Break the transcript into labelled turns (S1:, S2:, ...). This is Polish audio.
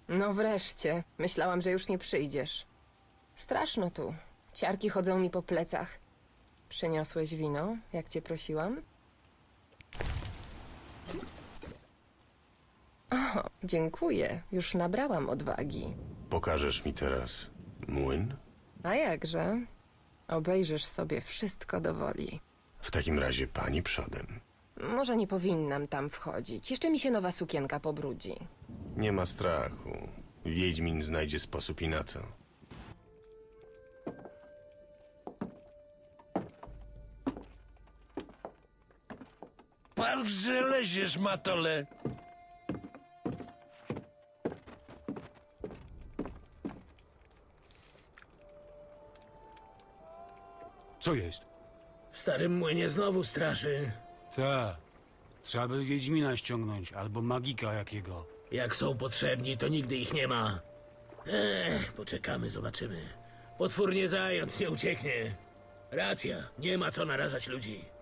S1: No wreszcie. Myślałam, że już nie przyjdziesz. Straszno tu. Ciarki chodzą mi po plecach. Przyniosłeś wino, jak cię prosiłam? O, dziękuję. Już nabrałam odwagi.
S2: Pokażesz mi teraz młyn?
S1: A jakże? Obejrzysz sobie wszystko do woli.
S2: W takim razie pani przodem.
S1: Może nie powinnam tam wchodzić. Jeszcze mi się nowa sukienka pobrudzi.
S2: Nie ma strachu. Wiedźmin znajdzie sposób i na to.
S3: Patrz, że leziesz, matole!
S4: Co jest?
S5: W starym młynie znowu straszy.
S4: Ta. Trzeba by Wiedźmina ściągnąć, albo magika jakiego.
S5: Jak są potrzebni, to nigdy ich nie ma. Poczekamy, zobaczymy. Potwór nie zając, nie ucieknie. Racja, nie ma co narażać ludzi.